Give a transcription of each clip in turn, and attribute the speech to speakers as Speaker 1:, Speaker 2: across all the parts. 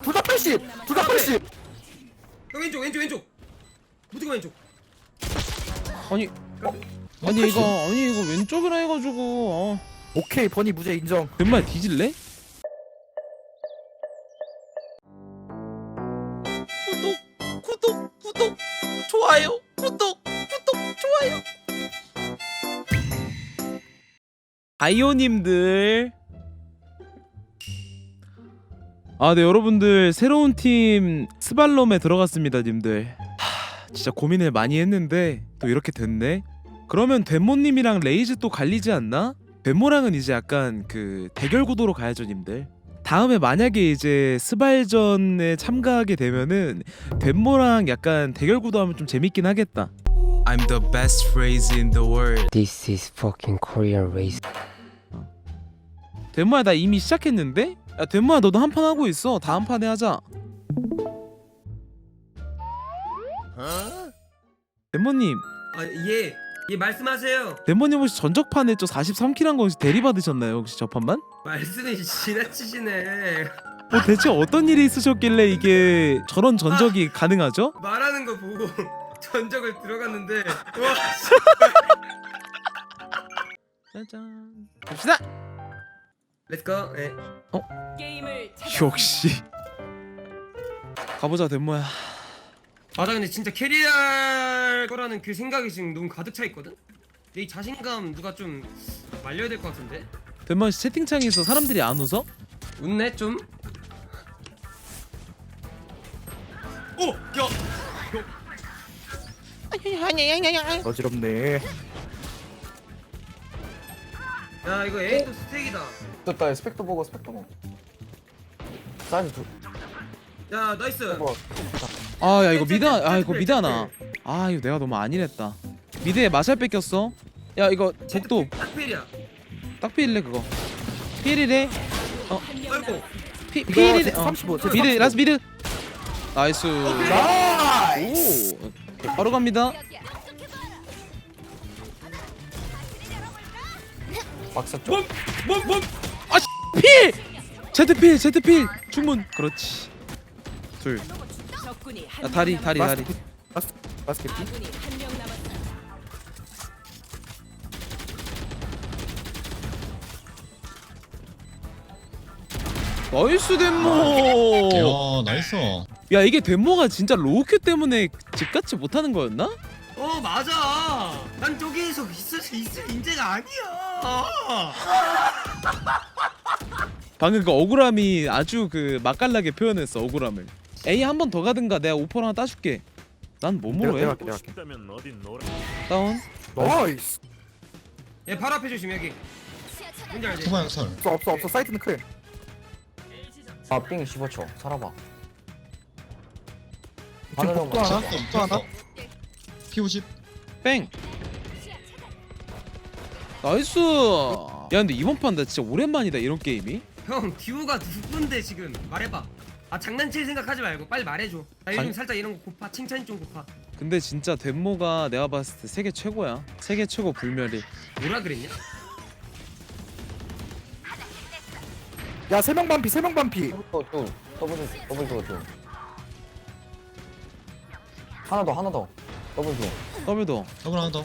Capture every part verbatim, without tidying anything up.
Speaker 1: 둘 다 팔십. 둘 다 팔십.
Speaker 2: 형 왼쪽 왼쪽 왼쪽 무조건 왼쪽.
Speaker 3: 아니 어? 아니 이거 아니 이거 왼쪽이라 해가지고 어.
Speaker 1: 오케이 버니 무죄 인정.
Speaker 3: 정말 뒤질래?
Speaker 2: 구독 구독 구독 좋아요 구독 구독 좋아요.
Speaker 3: 아이오님들 아 네 여러분들 새로운 팀 스발롬에 들어갔습니다 님들. 하, 진짜 고민을 많이 했는데 또 이렇게 됐네. 그러면 데모님이랑 레이즈 또 갈리지 않나? 데모랑은 이제 약간 그 대결 구도로 가야죠 님들. 다음에 만약에 이제 스발전에 참가하게 되면은 데모랑 약간 대결 구도하면 좀 재밌긴 하겠다. I'm the best phrase in the world.
Speaker 4: This is fucking Korean race.
Speaker 3: 데모야 나 이미 시작했는데? 야 데모야 너도 한 판 하고 있어. 다음 판에 하자. 데모님
Speaker 2: 아예예 예, 말씀하세요.
Speaker 3: 데모님 혹시 전적판에 저 사십삼 킬 한 거 혹시 대리 받으셨나요? 혹시 저 판만?
Speaker 2: 말씀이 지나치시네.
Speaker 3: 뭐 대체 어떤 일이 있으셨길래 이게 저런 전적이 가능하죠?
Speaker 2: 말하는 거 보고 전적을 들어갔는데 와
Speaker 3: 짜잔 갑시다!
Speaker 2: 렛츠고. 예.
Speaker 5: 게임을
Speaker 3: 역시 가보자 데모야.
Speaker 2: 맞아 근데 진짜 캐리할 거라는 그 생각이 지금 너무 가득 차 있거든. 내 이 자신감 누가 좀 말려야 될 것 같은데.
Speaker 3: 데모야 씨 채팅창에서 사람들이 안 웃어?
Speaker 2: 웃네 좀. 오! 야!
Speaker 1: 어지럽네.
Speaker 2: 야 이거 에이도 스택이다.
Speaker 6: 됐다. 스펙도 보고 스펙도 보고. 사이즈 두.
Speaker 2: 야 나이스.
Speaker 6: 뭐.
Speaker 3: 아 야 이거 미드 아 이거 미드 하나. 아 이거 내가 너무 안일했다. 미드에 마샬 뺏겼어. 야 이거 적도
Speaker 2: 딱필이야.
Speaker 3: 딱 필래 그거. 필이래.
Speaker 2: 아이고.
Speaker 3: 피
Speaker 1: 이거
Speaker 3: 필이래. 어.
Speaker 1: 삼십오.
Speaker 3: 미드 라스 미드. 나이스.
Speaker 1: 나이스.
Speaker 3: 오 바로 갑니다.
Speaker 6: 박사 쪽.
Speaker 2: 몸몸몸.
Speaker 3: 필! 제트필 제트필 충분. 그렇지. 둘.
Speaker 5: 적군이 한
Speaker 3: 야, 다리
Speaker 5: 명
Speaker 3: 다리 다리.
Speaker 1: 바스 바스켓.
Speaker 5: 남았- 아군이 한 명 남았습니다.
Speaker 3: 나이스 덴모.
Speaker 7: 야 나이스.
Speaker 3: 야 이게 덴모가 진짜 로우큐 때문에 집같이 못하는 거였나?
Speaker 2: 어 맞아. 난 저기에서 있을 수 있을 인재가 아니야.
Speaker 3: 방금 그 억울함이 아주 그 맛깔나게 표현했어. 억울함을. A 한 번 더 가든가 내가 오퍼를 하나 따줄게. 난 몸으로 해.
Speaker 1: 내가 내가 할게.
Speaker 3: 다운.
Speaker 1: 나이스.
Speaker 2: 얘 바로 앞에 조심 여기. 뭔지 알지?
Speaker 7: 투방 설.
Speaker 1: 없어 없어 없어 사이트는 클.
Speaker 6: 아삥 십오 초. 살아봐.
Speaker 1: 지금
Speaker 6: 하늘로
Speaker 1: 복도 하나.
Speaker 7: 또 또 하나. 피 오십.
Speaker 3: 뺑. 나이스. 야 근데 이번 판 나 진짜 오랜만이다 이런 게임이.
Speaker 2: 형 듀오가 누군데 지금 말해봐. 아 장난칠 생각하지 말고 빨리 말해줘. 나 요즘
Speaker 3: 장-
Speaker 2: 살짝 이런 거 고파. 칭찬이 좀 고파.
Speaker 3: 근데 진짜 덴모가 내가 봤을 때 세계 최고야. 세계 최고 불멸이.
Speaker 2: 뭐라 그랬냐?
Speaker 1: 야 세 명 반피 세 명 반피.
Speaker 6: 또 둘. 더블 더블 더 둘. 하나 더 하나 더. 더블 둘.
Speaker 3: 더블도.
Speaker 7: 더블 하나 더.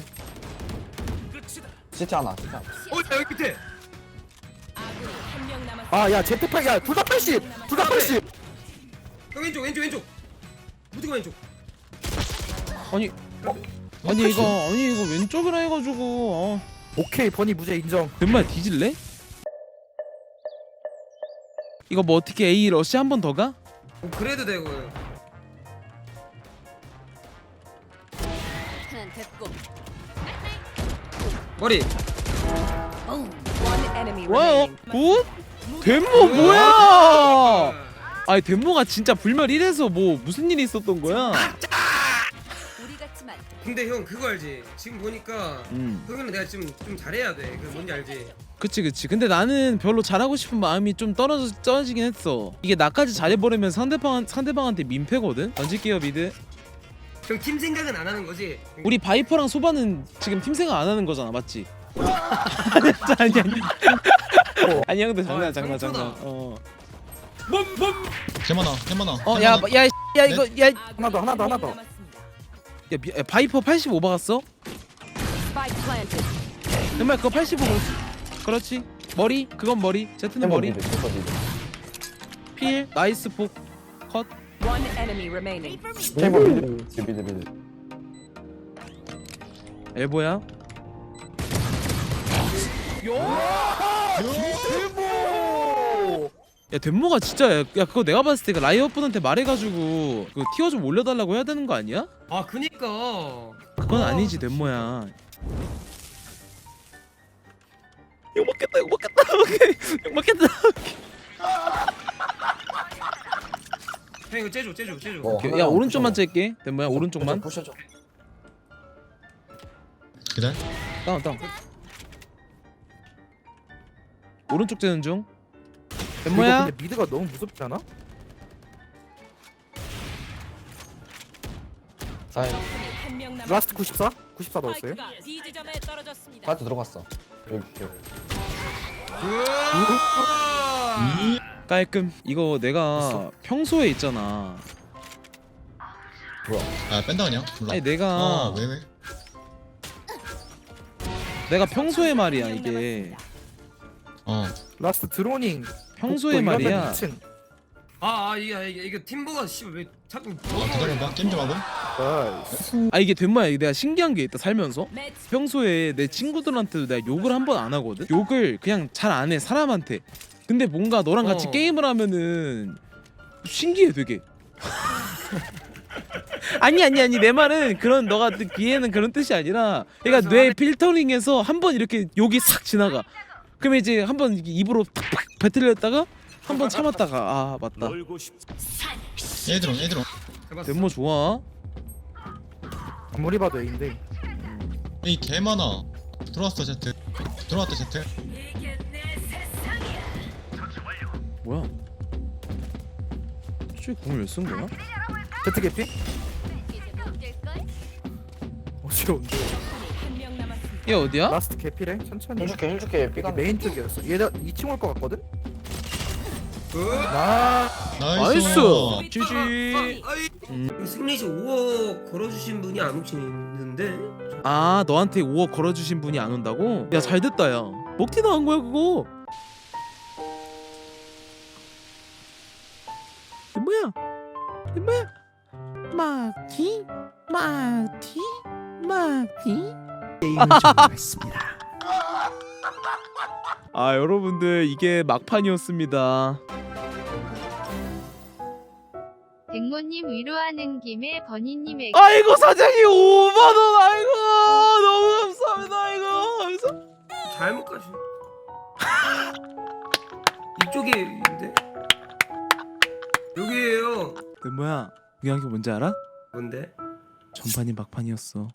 Speaker 6: 시트 하나. 시트 하나.
Speaker 2: 어 야, 여기 밑에.
Speaker 5: 아군이 한 명 남았습니다.
Speaker 1: 아야 제트팩 야둘 다 팔십. 둘 다 팔십.
Speaker 2: 형 왼쪽 왼쪽 왼쪽. 무조건 왼쪽.
Speaker 3: 아니 아니 이거 아니 이거 왼쪽이라 해가지고 어.
Speaker 1: 오케이 버니 무죄 인정.
Speaker 3: 정말 뒤질래? 이거 뭐 어떻게 A 러시 한 번 더 가?
Speaker 2: 어, 그래도 되고.
Speaker 5: 하나 됐고.
Speaker 2: 머리.
Speaker 5: One enemy
Speaker 3: 와요
Speaker 5: remaining.
Speaker 3: 굿? 덴모 뭐야? 아니 덴모가 진짜 불멸 일에서 뭐 무슨 일이 있었던 거야?
Speaker 5: 우리 같지만
Speaker 2: 근데 형 그거 알지? 지금 보니까
Speaker 3: 음
Speaker 2: 형이랑 내가 지금 좀 잘해야 돼. 그 뭔지 알지?
Speaker 3: 그치 그치. 근데 나는 별로 잘하고 싶은 마음이 좀 떨어져 떨어지긴 했어. 이게 나까지 잘해버리면 상대방 상대방한테 민폐거든. 던질게요 미드.
Speaker 2: 형 팀 생각은 안 하는 거지?
Speaker 3: 우리 바이퍼랑 소바는 지금 팀 생각 안 하는 거잖아, 맞지? 아니 아니 아니. 아니 형들 장난
Speaker 2: 아,
Speaker 3: 장난 장난.
Speaker 2: 상처다.
Speaker 3: 어.
Speaker 7: 개만아 개만아.
Speaker 3: 어야야 야, 야, 이거 야, 야
Speaker 1: 하나 더, 하나 더, 하나 더.
Speaker 3: 미- 야, 바이퍼 팔십오 박았어?
Speaker 5: Spike planted.
Speaker 3: 정말 그거 팔십오. 그렇지. 머리 그건 머리. 제트는 머리.
Speaker 6: 미드, 템버 미드.
Speaker 3: 필 나이스 폭 컷.
Speaker 5: One enemy remaining.
Speaker 6: 템버 미드, 미드, 미드, 미드.
Speaker 3: 엘보야.
Speaker 1: 대모.
Speaker 3: 야 덴모가 진짜 야, 야 그거 내가 봤을 때 그 라이엇 분한테 말해가지고 그 티어 좀 올려달라고 해야 되는 거 아니야?
Speaker 2: 아 그니까.
Speaker 3: 그건
Speaker 2: 아,
Speaker 3: 아니지 덴모야. 욕 먹겠다 욕 먹겠다 오케이 욕 먹겠다.
Speaker 2: 형 이거 째줘 째줘 째줘.
Speaker 6: 어.
Speaker 3: 오케이. 야
Speaker 6: 하나
Speaker 3: 오른쪽만
Speaker 6: 부셔줘.
Speaker 3: 짤게 덴모야 오른쪽만.
Speaker 6: 부셔줘.
Speaker 7: 기다려.
Speaker 3: 다운 다운. 오른쪽 째는 중.
Speaker 1: 이거
Speaker 3: 덴모야.
Speaker 1: 근데 미드가 너무 무섭지 않아?
Speaker 6: 사인.
Speaker 5: 한명 남았습니다.
Speaker 1: 라스트 구십사? 구십사 넣었어요?
Speaker 5: 스파이크가 B 지점에 떨어졌습니다.
Speaker 6: 바트 들어갔어. 여기 여기.
Speaker 3: 깔끔. 이거 내가 평소에 있잖아.
Speaker 6: 뭐야?
Speaker 7: 아 뺀다 그냥. 몰라.
Speaker 3: 아니 내가
Speaker 7: 어왜 왜?
Speaker 3: 내가 평소에 말이야 이게.
Speaker 7: 어.
Speaker 1: 라스트 드로닝.
Speaker 3: 평소에
Speaker 1: 복도 이러면
Speaker 3: 말이야.
Speaker 1: 이 층.
Speaker 2: 아, 아 이게 이게, 이게 팀버가 씨발 왜 자꾸
Speaker 7: 아 기다려봐. 게임 좀 하고.
Speaker 1: 나이스.
Speaker 3: 아 이게 된 뭐야. 내가 신기한 게 있다 살면서.
Speaker 5: 매치
Speaker 3: 평소에 내 친구들한테도 내가 욕을 한 번 안 하거든. 욕을 그냥 잘 안 해 사람한테. 근데 뭔가 너랑 같이
Speaker 2: 어.
Speaker 3: 게임을 하면은 신기해 되게. 아니 아니 아니 내 말은 그런 너가 듣기에는 그런 뜻이 아니라 그러니까 뇌 필터링에서 한 번 이렇게 욕이 싹 지나가. 그러면 이제 한 번 입으로 팍팍 뱉으려다가 한 번 참았다가 아 맞다.
Speaker 7: 애드론 애드론.
Speaker 2: 해봤어.
Speaker 3: 덴모 좋아.
Speaker 1: 아무리 봐도 A인데.
Speaker 7: 이 개만아. 들어왔어 제트. 들어왔다 제트.
Speaker 3: 뭐야? 저기 공을 왜 쓴 거야?
Speaker 1: 제트 개피? 어지러운데.
Speaker 5: 한명 남았습니다.
Speaker 3: 얘 어디야?
Speaker 1: 라스트 개피래? 천천히.
Speaker 6: 힐줄게 힐줄게.
Speaker 1: 여기
Speaker 6: 삐간.
Speaker 1: 메인 쪽이었어. 얘가 이 층 올 것 같거든?
Speaker 2: 그-
Speaker 1: 나
Speaker 7: 나이스.
Speaker 3: 나이스. 지지.
Speaker 2: 아이,
Speaker 3: 음.
Speaker 2: 승리시 오억 걸어주신 분이 안 혹시 있는데?
Speaker 3: 아 너한테 오억 걸어주신 분이 안 온다고? 야 잘됐다 야. 먹튀 나간 거야 그거. 이게 뭐야? 이게 뭐야? 막튀? 막튀? 막튀? 아 여러분들 이게 막판이었습니다.
Speaker 8: 백모님 위로하는 김에 버니님에게
Speaker 3: 아이고 사장님 오만 원 아이고 너무 감사합니다 아이고 감사.
Speaker 2: 잘못 가시. 이쪽인데? 여기에요.
Speaker 3: 그 뭐야? 중요한 게 뭔지 알아?
Speaker 2: 뭔데?
Speaker 3: 전판이 막판이었어.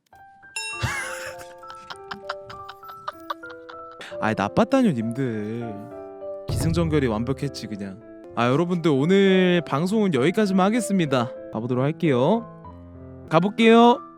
Speaker 3: 아이 나빴다뇨 님들. 기승전결이 완벽했지 그냥. 아 여러분들 오늘 방송은 여기까지만 하겠습니다. 가보도록 할게요. 가볼게요.